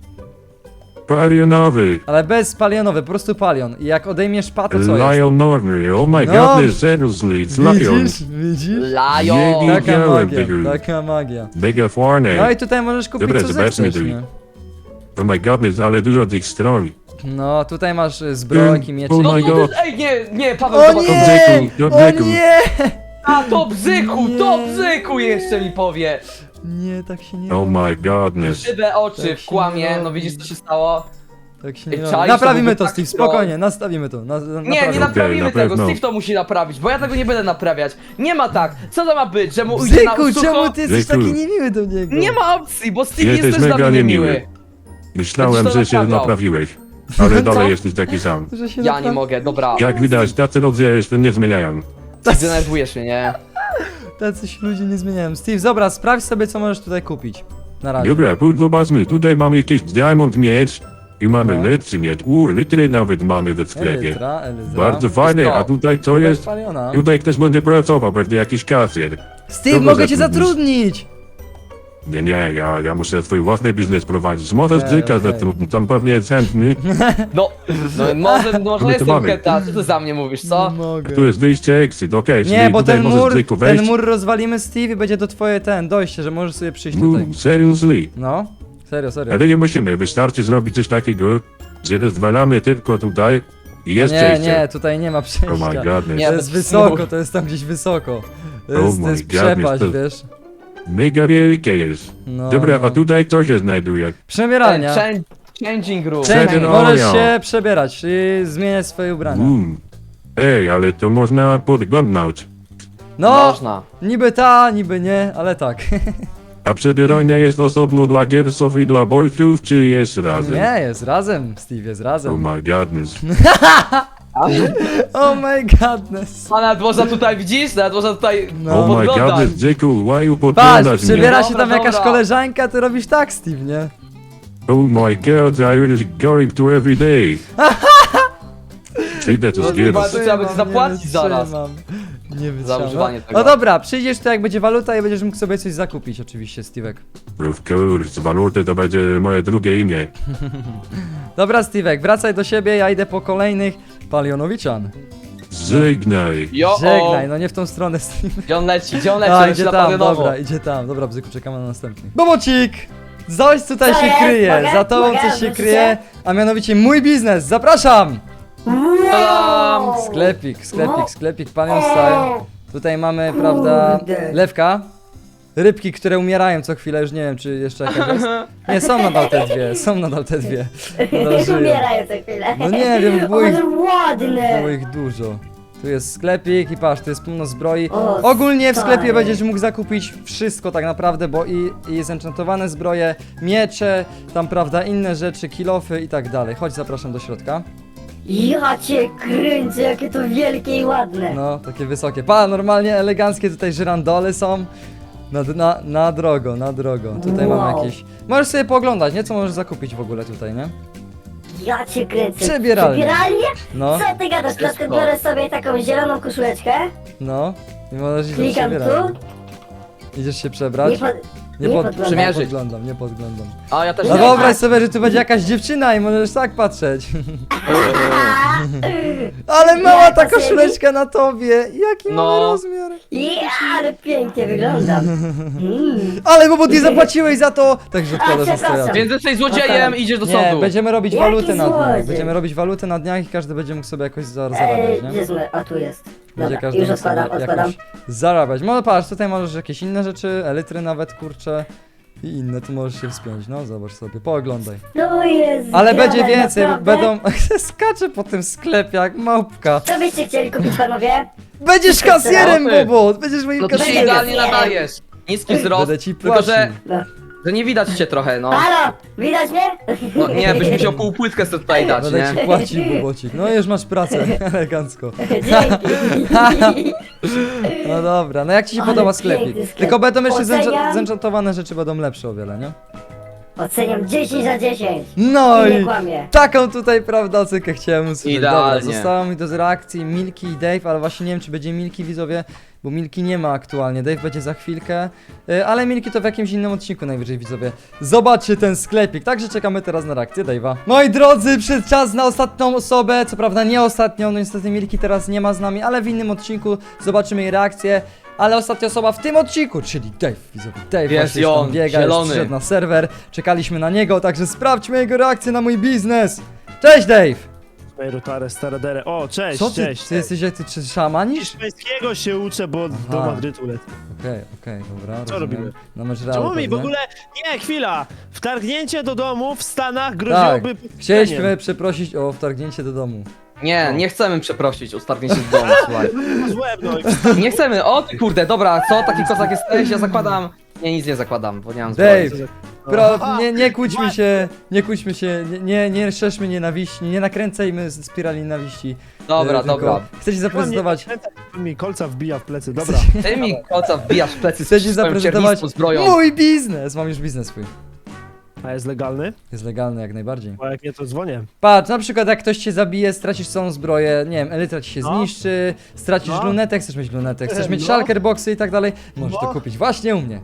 Speaker 5: Palionowy.
Speaker 1: Ale bez palionowy, po prostu palion. I jak odejmiesz pa, to co jest?
Speaker 5: Lion Norby. Oh my
Speaker 1: No.
Speaker 5: goodness, seriously, it's Lion.
Speaker 1: Widzisz? Widzisz?
Speaker 2: Lion.
Speaker 5: Nie
Speaker 1: Taka
Speaker 5: widziałem
Speaker 1: magia,
Speaker 5: tego.
Speaker 1: taka magia.
Speaker 5: Mega
Speaker 1: No
Speaker 5: fajne.
Speaker 1: i tutaj możesz kupić
Speaker 5: Dobra,
Speaker 1: co
Speaker 5: zobaczmy
Speaker 1: zechcesz,
Speaker 5: tu.
Speaker 1: nie?
Speaker 5: Oh my goodness, ale dużo tych stron.
Speaker 1: No, tutaj masz y, zbrojki, miecze.
Speaker 5: Oh
Speaker 2: No
Speaker 5: my
Speaker 2: to
Speaker 5: god.
Speaker 2: ty, ej, nie, nie, Paweł,
Speaker 1: O
Speaker 2: zobacz.
Speaker 1: nie!
Speaker 5: do
Speaker 1: O
Speaker 5: bzyku.
Speaker 1: nie!
Speaker 2: A, to bzyku, to
Speaker 1: Nie.
Speaker 2: bzyku jeszcze mi powie.
Speaker 1: Nie, tak się nie
Speaker 5: Oh
Speaker 1: robi.
Speaker 5: my godness.
Speaker 2: Szybe oczy
Speaker 1: Tak
Speaker 2: w
Speaker 1: się
Speaker 2: kłamie,
Speaker 1: nie
Speaker 2: no
Speaker 1: robi.
Speaker 2: widzisz co się stało?
Speaker 1: Tak się
Speaker 2: Ej,
Speaker 1: nie
Speaker 2: czaisz,
Speaker 1: robi.
Speaker 2: to
Speaker 1: Naprawimy
Speaker 2: byłby
Speaker 1: to,
Speaker 2: taki
Speaker 1: Steve,
Speaker 2: troll.
Speaker 1: spokojnie, nastawimy to. Na, na,
Speaker 2: Nie, nie
Speaker 1: naprawimy.
Speaker 2: naprawimy
Speaker 5: na
Speaker 2: tego,
Speaker 5: pewno.
Speaker 2: Steve to musi naprawić, bo ja tego nie będę naprawiać. Nie ma tak, co to ma być, że mu ujdzie na
Speaker 1: Bzyku,
Speaker 2: sucho?
Speaker 1: czemu ty jesteś
Speaker 5: Bzyku.
Speaker 1: taki niemiły do niego?
Speaker 2: Nie ma opcji, bo Steve
Speaker 5: Jesteś
Speaker 2: jest też dla
Speaker 5: mega
Speaker 2: mnie
Speaker 5: niemiły.
Speaker 2: miły.
Speaker 5: Myślałem,
Speaker 2: Będziesz to
Speaker 5: że się
Speaker 2: naprawiał.
Speaker 5: naprawiłeś. Ale
Speaker 2: Co?
Speaker 5: dalej jesteś taki sam.
Speaker 1: Że się
Speaker 2: Ja
Speaker 1: napra-
Speaker 2: nie mogę, dobra.
Speaker 5: Jak widać, tacy ludzie się nie zmieniają.
Speaker 2: Denerwujesz mnie, nie?
Speaker 1: Tacy się ludzie nie zmieniają. Steve, dobra, sprawdź sobie, co możesz tutaj kupić. Na razie.
Speaker 5: Dobra, tu zobaczmy, tutaj mamy jakiś diamond miecz i mamy
Speaker 1: No.
Speaker 5: lepszy miecz. Uuu, litry nawet mamy w sklepie.
Speaker 1: Elytra, elytra.
Speaker 5: Bardzo fajne,
Speaker 2: to.
Speaker 5: a tutaj co
Speaker 1: Bez
Speaker 5: jest?
Speaker 1: paliona.
Speaker 5: Tutaj ktoś będzie pracował, będzie jakiś kasjer.
Speaker 1: Steve,
Speaker 5: Kogo
Speaker 1: mogę cię
Speaker 5: zatrudnisz?
Speaker 1: zatrudnić!
Speaker 5: Nie, nie, ja, ja muszę swój własny biznes prowadzić. Możesz
Speaker 1: Okej,
Speaker 5: bzyka
Speaker 1: okej.
Speaker 5: zatrudnić, tam pewnie jest chętny.
Speaker 2: No, no może, może
Speaker 5: to
Speaker 2: jestem
Speaker 5: mamy.
Speaker 2: keta, co ty za mnie mówisz, co?
Speaker 1: Nie mogę.
Speaker 5: Tu jest wyjście, exit, okej,
Speaker 1: Nie,
Speaker 5: czyli
Speaker 1: bo
Speaker 5: tutaj
Speaker 1: ten
Speaker 5: możesz
Speaker 1: mur,
Speaker 5: bzyku wejść.
Speaker 1: ten mur rozwalimy, Steve, i będzie to twoje ten dojście, że możesz sobie przyjść tutaj.
Speaker 5: Mm, seriously.
Speaker 1: No, serio, serio.
Speaker 5: Ale nie musimy, wystarczy zrobić coś takiego, że rozwalamy tylko tutaj i jest
Speaker 1: Nie,
Speaker 5: przejście.
Speaker 1: nie, tutaj nie ma
Speaker 5: Oh
Speaker 1: przejścia.
Speaker 5: my godness.
Speaker 2: Nie.
Speaker 1: To jest
Speaker 2: bez
Speaker 1: wysoko,
Speaker 2: mur.
Speaker 1: to jest tam gdzieś wysoko. To
Speaker 5: Oh
Speaker 1: jest, to
Speaker 5: my
Speaker 1: jest
Speaker 5: goodness,
Speaker 1: przepaść,
Speaker 5: to-
Speaker 1: wiesz.
Speaker 5: Mega wielkie jest.
Speaker 1: No,
Speaker 5: Dobra,
Speaker 1: no.
Speaker 5: a tutaj co się znajduje?
Speaker 1: Przebieralnia.
Speaker 2: Ten changing room.
Speaker 1: Change,
Speaker 5: Przebieralnia.
Speaker 1: możesz się przebierać i zmieniać swoje ubrania.
Speaker 5: Mm. Ej, ale to można podglądnąć.
Speaker 1: No,
Speaker 2: Można.
Speaker 1: niby ta, niby nie, ale tak.
Speaker 5: A przebieralnia jest osobno dla giersów i dla bolców, czy jest razem?
Speaker 1: Nie, jest razem, Steve, jest
Speaker 5: Oh
Speaker 1: razem.
Speaker 5: my godness.
Speaker 1: Oh my godness.
Speaker 2: A nawet można tutaj, widzisz? Nawet można tutaj
Speaker 1: No.
Speaker 5: Oh my
Speaker 2: podglądać.
Speaker 5: godness, Dziku, why you
Speaker 1: Patrz,
Speaker 5: podglądasz
Speaker 1: przebiera
Speaker 5: mnie?
Speaker 1: się tam
Speaker 2: Dobra,
Speaker 1: jakaś
Speaker 2: dobra.
Speaker 1: koleżanka, ty robisz tak, Steve, nie?
Speaker 5: Oh my god, I was going to every day. Przyjdę tu
Speaker 2: No
Speaker 5: z
Speaker 2: chyba
Speaker 5: gierów.
Speaker 2: to trzeba będzie
Speaker 1: Wytrzymam,
Speaker 2: zapłacić
Speaker 1: nie
Speaker 2: zaraz.
Speaker 1: wytrzymam. Nie
Speaker 2: Za
Speaker 1: wytrzymam.
Speaker 2: używanie
Speaker 1: No,
Speaker 2: tego.
Speaker 1: no dobra, przyjdziesz tu jak będzie waluta i będziesz mógł sobie coś zakupić oczywiście, Steve'ek.
Speaker 5: Of course, waluty to będzie moje drugie imię.
Speaker 1: Dobra, Steve'ek, wracaj do siebie, ja idę po kolejnych Palionowiczan.
Speaker 5: Żegnaj.
Speaker 2: Jo,
Speaker 1: Żegnaj, no nie w tą stronę, Steve.
Speaker 2: Gdzie on leci? Gdzie on leci?
Speaker 1: A,
Speaker 2: On
Speaker 1: idzie
Speaker 2: się
Speaker 1: tam,
Speaker 2: napadnie nowo.
Speaker 1: dobra, idzie tam. Dobra, Bzyku, czekamy na następny. Bobocik! Coś tutaj
Speaker 3: Co
Speaker 1: się
Speaker 3: jest?
Speaker 1: kryje,
Speaker 3: Mogę?
Speaker 1: za tobą
Speaker 3: Mogę?
Speaker 1: coś się
Speaker 3: Wrócicie?
Speaker 1: kryje, a mianowicie mój biznes, zapraszam!
Speaker 2: Tadam!
Speaker 1: Sklepik, sklepik, sklepik, Panion Style. Tutaj mamy, prawda,
Speaker 3: Kurde.
Speaker 1: lewka. Rybki, które umierają co chwilę, już nie wiem, czy jeszcze jakaś jest. Nie, są nadal te dwie, są nadal te dwie. Nadal żyją.
Speaker 3: Umierają co chwilę.
Speaker 1: No nie wiem, było ich,
Speaker 3: Ale ładne.
Speaker 1: było ich dużo. Tu jest sklepik i patrz, tu jest pełno zbroi.
Speaker 3: O,
Speaker 1: Ogólnie w sklepie
Speaker 3: stary.
Speaker 1: będziesz mógł zakupić wszystko tak naprawdę, bo i, i zenchantowane zbroje, miecze, tam prawda, inne rzeczy, kilofy i tak dalej. Chodź, zapraszam do środka.
Speaker 3: Ja cię kręcę, jakie to wielkie i ładne.
Speaker 1: No, takie wysokie. Pa, normalnie eleganckie tutaj żyrandole są. Na, na, na drogo, na drogo. Tutaj mamy
Speaker 3: Wow.
Speaker 1: jakieś... Możesz sobie pooglądać, nie? Co możesz zakupić w ogóle tutaj, nie?
Speaker 3: Ja cię kręcę.
Speaker 1: Przebieralnia.
Speaker 3: Przebieralnie?
Speaker 1: No,
Speaker 3: Co ty gadasz? Na
Speaker 2: Wszystko.
Speaker 3: przykład biorę sobie taką zieloną koszuleczkę,
Speaker 1: no. I możesz iść
Speaker 3: klikam
Speaker 1: przebierać.
Speaker 3: tu
Speaker 1: Idziesz się
Speaker 3: i
Speaker 1: przebrać?
Speaker 3: pod...
Speaker 1: Nie,
Speaker 6: Nie
Speaker 1: pod,
Speaker 6: podglądam.
Speaker 1: nie
Speaker 2: Przymierzyć.
Speaker 1: podglądam, nie podglądam.
Speaker 2: A ja też
Speaker 1: No
Speaker 2: nie.
Speaker 1: wyobraź sobie, że tu będzie jakaś dziewczyna i możesz tak patrzeć. Ale mała ta koszuleczka na tobie, jaki
Speaker 2: No.
Speaker 1: mały rozmiar.
Speaker 6: Ja, ale pięknie wyglądam. Mm.
Speaker 1: Ale bo, bo ty zapłaciłeś za to! Także odkładasz na
Speaker 6: przepraszam.
Speaker 1: stojatek.
Speaker 2: Więc jesteś złodziejem i idziesz do
Speaker 1: Nie,
Speaker 2: sądu.
Speaker 1: będziemy robić
Speaker 6: Jaki
Speaker 1: walutę na dniach.
Speaker 6: złodziej?
Speaker 1: Będziemy robić walutę na dniach i każdy będzie mógł sobie jakoś za-
Speaker 6: Ej,
Speaker 1: zarabiać,
Speaker 6: gdzie
Speaker 1: nie?
Speaker 6: jest moje- o, tu jest.
Speaker 1: Będzie
Speaker 6: Dobra,
Speaker 1: każdy
Speaker 6: już
Speaker 1: mógł sobie
Speaker 6: odkładam, odkładam.
Speaker 1: jakoś zarabiać. No patrz, tutaj możesz jakieś inne rzeczy, elitry nawet, kurcze. I inne, tu możesz się wspiąć, no zobacz sobie, pooglądaj.
Speaker 6: No jest.
Speaker 1: Ale będzie
Speaker 6: zgrane,
Speaker 1: więcej,
Speaker 6: naprawdę.
Speaker 1: będą... Skacze po tym sklepie jak małpka.
Speaker 6: Co byście chcieli kupić, panowie?
Speaker 1: Będziesz kasjerem,
Speaker 2: No ty.
Speaker 1: Bobo! Będziesz moim
Speaker 2: No to się
Speaker 1: kasjerem.
Speaker 2: idealnie nadajesz. Niski wzrost,
Speaker 1: Będę ci
Speaker 2: tylko
Speaker 1: płacił.
Speaker 2: że, że nie widać cię trochę, no.
Speaker 6: Halo, widać mnie?
Speaker 2: No nie, byś musiał pół płytkę sobie tutaj dać,
Speaker 1: Będę
Speaker 2: nie?
Speaker 1: ci płacił, Bobocik. No już masz pracę, elegancko.
Speaker 6: Dzięki.
Speaker 1: No dobra, no jak ci się
Speaker 6: Ale
Speaker 1: podoba
Speaker 6: piękny
Speaker 1: sklepik?
Speaker 6: sklep.
Speaker 1: Tylko będą jeszcze
Speaker 6: Oceniam.
Speaker 1: zencza- zenchantowane rzeczy będą lepsze o wiele, nie?
Speaker 6: Oceniam dziesięć na dziesięć.
Speaker 1: No
Speaker 6: I nie
Speaker 1: i
Speaker 6: kłamie.
Speaker 1: taką tutaj, prawda, ocenkę chciałem usłyszeć.
Speaker 2: Idealnie.
Speaker 1: Dobra, zostało mi do reakcji Milki i Dave, ale właśnie nie wiem, czy będzie Milki, widzowie, bo Milki nie ma aktualnie, Dave będzie za chwilkę, y, ale Milki to w jakimś innym odcinku najwyżej, widzowie. Zobaczcie ten sklepik, także czekamy teraz na reakcję Dave'a. Moi drodzy, przyszedł czas na ostatnią osobę, co prawda nie ostatnią, no niestety Milki teraz nie ma z nami, ale w innym odcinku zobaczymy jej reakcję. Ale ostatnia osoba w tym odcinku, czyli Dave, widzowie, Dave
Speaker 2: Jest
Speaker 1: właśnie już
Speaker 2: on,
Speaker 1: tam biega,
Speaker 2: zielony.
Speaker 1: już przyszedł na serwer, czekaliśmy na niego, także sprawdźmy jego reakcję na mój biznes. Cześć Dave!
Speaker 7: Rotare, staradere. O, cześć,
Speaker 1: Co ty,
Speaker 7: cześć.
Speaker 1: ty jesteś jak ty czy szamanisz?
Speaker 7: Hiszpańskiego się uczę, bo do
Speaker 1: Aha.
Speaker 7: Madrytu lecę.
Speaker 1: Okej, okej, dobra,
Speaker 7: Co
Speaker 1: rozumiem.
Speaker 7: robimy?
Speaker 1: Na mecz
Speaker 7: Czemu
Speaker 1: Realu
Speaker 7: mi w
Speaker 1: pewnie.
Speaker 7: ogóle... Nie, chwila! Wtargnięcie do domu w Stanach
Speaker 1: Tak,
Speaker 7: groziłoby...
Speaker 1: chcieliśmy przeprosić o wtargnięcie do domu.
Speaker 2: Nie, nie chcemy przeprosić o stargnięcie z domu, słuchaj.
Speaker 7: Złem, no i
Speaker 2: Nie chcemy, o ty kurde, dobra, co, taki kozak jesteś, ja zakładam. Nie, nic nie zakładam, bo nie mam zbroi.
Speaker 1: Dave, pro,
Speaker 7: Aha,
Speaker 1: nie, nie kłóćmy
Speaker 7: właśnie.
Speaker 1: się, nie kłóćmy się, nie, nie, nie szerzmy nienawiści, nie nakręcajmy z- spirali nienawiści.
Speaker 2: Dobra,
Speaker 1: E, tylko
Speaker 2: dobra.
Speaker 1: Chcę ci zaprezentować,
Speaker 7: mi kolca wbija w plecy, dobra.
Speaker 2: Ty mi koca wbijasz w plecy
Speaker 1: chcę ci
Speaker 2: z swoją
Speaker 1: zaprezentować
Speaker 2: cierniską zbroją.
Speaker 1: mój biznes! Mam już biznes swój.
Speaker 7: A jest legalny?
Speaker 1: Jest legalny jak najbardziej.
Speaker 7: Bo jak nie, to dzwonię.
Speaker 1: Patrz, na przykład jak ktoś cię zabije, stracisz całą zbroję, nie wiem, elytra ci się
Speaker 7: No.
Speaker 1: zniszczy, stracisz
Speaker 7: No.
Speaker 1: lunetę, chcesz mieć lunetę, chcesz mieć
Speaker 7: No.
Speaker 1: shulker boxy i tak dalej, możesz to
Speaker 7: No.
Speaker 1: kupić właśnie u mnie.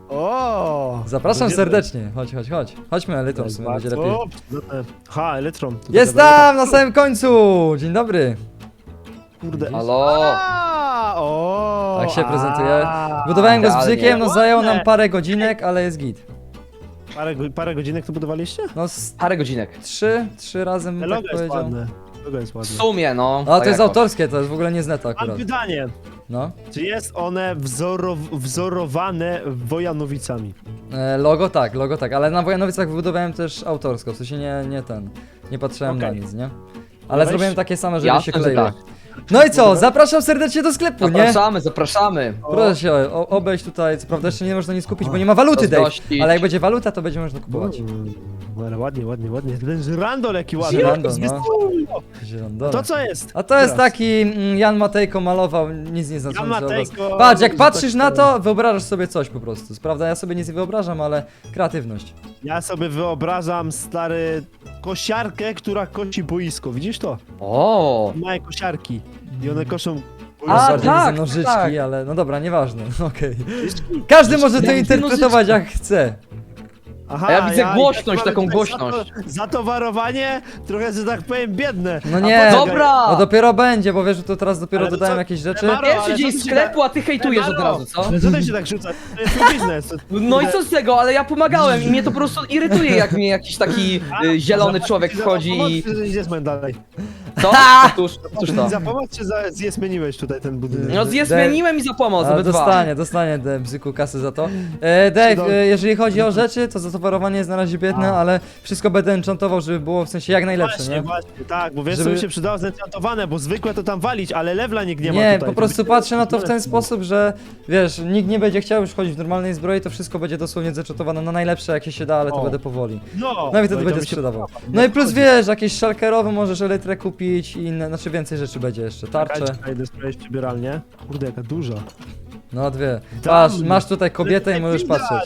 Speaker 7: O!
Speaker 1: Zapraszam
Speaker 7: Będzie-
Speaker 1: serdecznie, chodź, chodź, chodź. Chodźmy elytrą, w sumie będzie lepiej.
Speaker 7: Bardzo przydatne. Ha, elektron. To
Speaker 1: Jest
Speaker 7: taka daleka.
Speaker 1: tam, na samym końcu! Dzień dobry.
Speaker 7: Kurde.
Speaker 2: Halo?
Speaker 7: A, o,
Speaker 1: Tak się
Speaker 7: a.
Speaker 1: prezentuje. Budowałem go z
Speaker 2: Idealnie.
Speaker 1: bzykiem, no zajęło nam
Speaker 7: Ładne.
Speaker 1: parę godzinek, ale jest git.
Speaker 7: Parę, go- parę godzinek to budowaliście?
Speaker 1: No z
Speaker 2: Parę godzinek.
Speaker 1: trzy, trzy razy bym
Speaker 7: Te
Speaker 1: tak
Speaker 7: logo jest
Speaker 1: powiedział.
Speaker 7: ładne. Logo jest
Speaker 2: W
Speaker 7: ładne.
Speaker 2: sumie, no.
Speaker 1: A to
Speaker 2: tak
Speaker 1: jest
Speaker 2: jakoś.
Speaker 1: autorskie, to jest w ogóle nie z neta
Speaker 7: Mam
Speaker 1: akurat.
Speaker 7: pytanie.
Speaker 1: No.
Speaker 7: Czy jest one wzorow wzorowane Wojanowicami?
Speaker 1: E, logo tak, logo tak, ale na Wojanowicach wybudowałem też autorsko, w sensie nie, nie ten, nie patrzyłem na
Speaker 7: Okej.
Speaker 1: nic, nie? Ale
Speaker 7: Weź.
Speaker 1: zrobiłem takie same, żeby
Speaker 2: Jasne,
Speaker 1: się
Speaker 2: że
Speaker 1: kleiły.
Speaker 2: tak.
Speaker 1: No i co, zapraszam serdecznie do sklepu, nie?
Speaker 2: Zapraszamy, zapraszamy.
Speaker 1: Proszę się o, obejść tutaj, co prawda jeszcze nie można nic kupić, bo nie ma waluty, Dave,
Speaker 2: Zazdrościć.
Speaker 1: ale jak będzie waluta, to będzie można kupować.
Speaker 7: Mm, ale ładnie, ładnie, ładnie. Ten żyrandol jaki ładny.
Speaker 1: Żyrandol,
Speaker 7: Z-
Speaker 1: no.
Speaker 7: z-
Speaker 1: Zielondola.
Speaker 7: To co jest?
Speaker 1: A to jest
Speaker 7: Teraz.
Speaker 1: taki mm, Jan Matejko malował, nic nie znaczący
Speaker 7: Jan
Speaker 1: obraz.
Speaker 7: Matejko,
Speaker 1: Patrz, jak
Speaker 7: że
Speaker 1: patrzysz
Speaker 7: tak
Speaker 1: na
Speaker 7: powiem.
Speaker 1: to, wyobrażasz sobie coś po prostu. Prawda, ja sobie nic nie wyobrażam, ale kreatywność.
Speaker 7: Ja sobie wyobrażam stary kosiarkę, która kosi boisko. Widzisz to?
Speaker 2: O.
Speaker 7: Mają kosiarki i one koszą
Speaker 1: A,
Speaker 7: boisko.
Speaker 1: bardziej
Speaker 2: tak,
Speaker 1: widzę nożyczki,
Speaker 2: tak.
Speaker 1: ale no dobra, nieważne, okej. Każdy może to
Speaker 2: Jakie
Speaker 1: interpretować jak chce.
Speaker 7: Aha,
Speaker 2: A ja widzę
Speaker 7: i
Speaker 2: głośność,
Speaker 7: tak
Speaker 2: taką
Speaker 7: mamy tutaj
Speaker 2: głośność.
Speaker 7: zato- Zatowarowanie trochę, że tak powiem, biedne.
Speaker 1: No
Speaker 7: A
Speaker 1: nie,
Speaker 7: poczekaj,
Speaker 2: Dobra!
Speaker 1: no dopiero będzie, bo wiesz, że to teraz dopiero
Speaker 7: Ale to
Speaker 1: dodałem
Speaker 7: co?
Speaker 1: jakieś rzeczy.
Speaker 7: Maro,
Speaker 2: Pierwszy
Speaker 7: ale
Speaker 2: dzień
Speaker 7: co ty się
Speaker 2: sklepu, a ty hejtujesz od
Speaker 7: Maro,
Speaker 2: razu, co?
Speaker 7: Ale co ty się tak rzuca? To jest mój biznes. To-
Speaker 2: No i co z tego, ale ja pomagałem i mnie to po prostu irytuje, jak mnie jakiś taki y, zielony
Speaker 7: Za-
Speaker 2: człowiek
Speaker 7: za
Speaker 2: wchodzi
Speaker 7: pomoc,
Speaker 2: i...
Speaker 7: czy zjesmen dalej?
Speaker 2: Co? Otóż, otóż to.
Speaker 7: Za pomoc, czy za, zjesmeniłeś tutaj ten budynek?
Speaker 2: No zjesmieniłem i za pomoc,
Speaker 1: Ale
Speaker 2: obydwa.
Speaker 1: dostanie, dostanie de, bzyku kasy za to. E, Dave,
Speaker 7: Cudownie.
Speaker 1: e, jeżeli chodzi o rzeczy, to zatowarowanie jest na razie biedne, ale wszystko będę enchantował, żeby było w sensie jak najlepsze,
Speaker 7: Właśnie,
Speaker 1: nie?
Speaker 7: właśnie, tak, bo wiesz co
Speaker 1: Żeby-
Speaker 7: mi się przydało zenchantowane, bo zwykłe to tam walić, ale lewla nikt nie ma
Speaker 1: Nie,
Speaker 7: tutaj.
Speaker 1: po prostu
Speaker 7: To
Speaker 1: patrzę na to w ten
Speaker 7: będzie-
Speaker 1: sposób, że wiesz, nikt nie będzie chciał już chodzić w normalnej zbroi, to wszystko będzie dosłownie zenchantowane na najlepsze jakie się da, ale to
Speaker 7: O.
Speaker 1: będę powoli.
Speaker 7: No,
Speaker 1: No i wtedy
Speaker 7: to
Speaker 1: będzie
Speaker 7: mi się
Speaker 1: sprzedawał.
Speaker 7: podoba.
Speaker 1: No i plus wiesz, jakieś szalkerowe możesz elytrę kupić i inne, znaczy więcej rzeczy będzie jeszcze, tarcze.
Speaker 7: Czekaj, idę sprawdzić przybieralnię. Kurde, jaka duża.
Speaker 1: No dwie.
Speaker 7: Tam.
Speaker 1: Masz, masz tutaj kobietę i
Speaker 7: Ale
Speaker 1: możesz
Speaker 7: widać.
Speaker 1: patrzeć.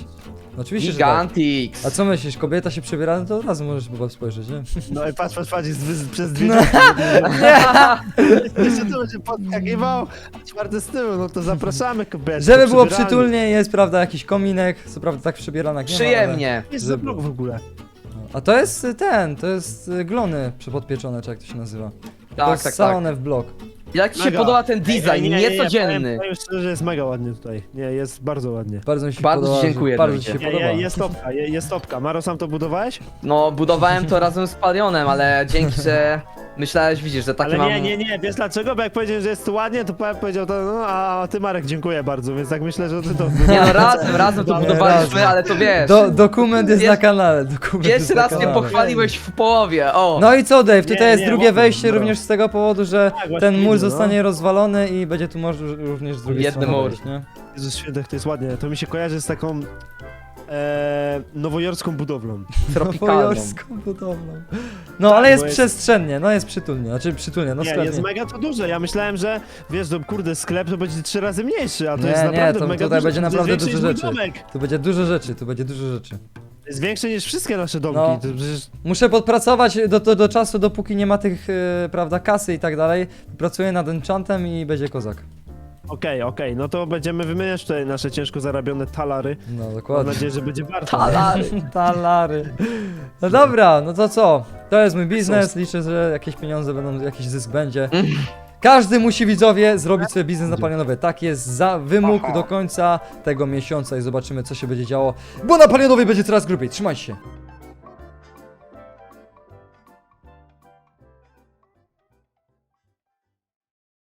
Speaker 1: Oczywiście, że tak.
Speaker 2: Gigantix.
Speaker 1: A co myślisz, kobieta się przebiera, no to od razu możesz chyba spojrzeć, nie?
Speaker 7: No i patrz, patrz, patrz, jest wy- przez dwie Jeszcze to będzie podskakiwał, a czwarte z tyłu, no to zapraszamy kobiety.
Speaker 1: Żeby było
Speaker 7: przybieralnie.
Speaker 1: przytulnie, jest, prawda, jakiś kominek, co prawda tak przybierana nie ma,
Speaker 2: Przyjemnie.
Speaker 7: Jest
Speaker 1: Żeby
Speaker 7: za blok w ogóle.
Speaker 1: ale... A to jest y, ten, to jest y, glony przepodpieczone, czy jak to się nazywa. to
Speaker 2: Tak,
Speaker 1: jest
Speaker 2: tak, tak.
Speaker 1: salone w blok.
Speaker 2: Jak ci się
Speaker 7: Mega.
Speaker 2: podoba ten
Speaker 7: Ej,
Speaker 2: design,
Speaker 7: ej, nie, nie, nie,
Speaker 2: niecodzienny?
Speaker 7: Powiem, powiem szczerze, że jest mega ładnie tutaj. Nie, jest bardzo ładnie.
Speaker 1: Bardzo mi się
Speaker 2: Bardzo
Speaker 1: podoba.
Speaker 2: ci dziękuję,
Speaker 1: że- Bardzo ci się
Speaker 2: Dawidzie.
Speaker 7: Nie,
Speaker 1: podoba.
Speaker 7: nie, jest topka, je- jest topka. Maro, sam to budowałeś?
Speaker 2: No, budowałem to razem z Palionem, ale dzięki, że myślałeś, widzisz, że takie
Speaker 7: Ale
Speaker 2: mam...
Speaker 7: nie, nie, nie, wiesz dlaczego? Bo jak powiedziałem, że jest tu ładnie, to Paweł powiedział to, no a ty Marek, dziękuję bardzo, więc tak myślę, że ty to...
Speaker 2: Nie no, razem, razem to
Speaker 7: Nie,
Speaker 2: budowaliśmy,
Speaker 1: razem.
Speaker 2: ale to wiesz.
Speaker 1: Do, dokument jest
Speaker 2: Pierwszy-
Speaker 1: na kanale, dokument jest
Speaker 2: Pierwszy
Speaker 1: na
Speaker 2: raz mnie
Speaker 1: kanale.
Speaker 2: pochwaliłeś w połowie, o!
Speaker 1: No i co, Dave, tutaj
Speaker 7: Nie,
Speaker 1: jest
Speaker 7: nie,
Speaker 1: drugie
Speaker 7: ładnie,
Speaker 1: wejście
Speaker 7: no.
Speaker 1: również z tego powodu, że
Speaker 7: Tak, właśnie
Speaker 1: ten mur
Speaker 7: widzę, no.
Speaker 1: zostanie rozwalony i będzie tu może również z drugiej
Speaker 2: Jedny
Speaker 1: strony
Speaker 2: mur.
Speaker 1: wejść, nie?
Speaker 7: Jezus świętek, to jest ładnie. To mi się kojarzy z taką e, nowojorską budowlą.
Speaker 2: Tropikalną.
Speaker 1: Nowojorską budowlą. No, ale jest
Speaker 7: bo jest-
Speaker 1: przestrzennie, no jest przytulnie, znaczy przytulnie, no
Speaker 7: Nie,
Speaker 1: sklepnie.
Speaker 7: jest mega to duże. Ja myślałem, że wiesz, to kurde, sklep to będzie trzy razy mniejszy, a to
Speaker 1: Nie,
Speaker 7: jest
Speaker 1: nie,
Speaker 7: naprawdę
Speaker 1: to
Speaker 7: mega
Speaker 1: tutaj
Speaker 7: duże.
Speaker 1: będzie
Speaker 7: To jest
Speaker 1: naprawdę
Speaker 7: większe
Speaker 1: dużo
Speaker 7: niż mój
Speaker 1: rzeczy.
Speaker 7: domek.
Speaker 1: Tu będzie dużo rzeczy, tu będzie dużo rzeczy.
Speaker 7: To jest większe niż wszystkie nasze domki.
Speaker 1: No.
Speaker 7: To przecież...
Speaker 1: Muszę podpracować do, do, do czasu, dopóki nie ma tych, e, prawda, kasy i tak dalej. Pracuję nad enchantem i będzie kozak.
Speaker 7: Okej, okej, no to będziemy wymieniać tutaj nasze ciężko zarabione talary.
Speaker 1: No,
Speaker 7: Mam
Speaker 1: dokładnie.
Speaker 7: nadzieję, że będzie warto.
Speaker 2: Talary.
Speaker 1: Talary. No dobra, no to co? To jest mój biznes, liczę, że jakieś pieniądze będą, jakiś zysk będzie. Każdy musi, widzowie, zrobić sobie biznes na Palionowie. Tak jest za wymóg do końca tego miesiąca i zobaczymy, co się będzie działo, bo na Palionowie będzie coraz grubiej. Trzymajcie się.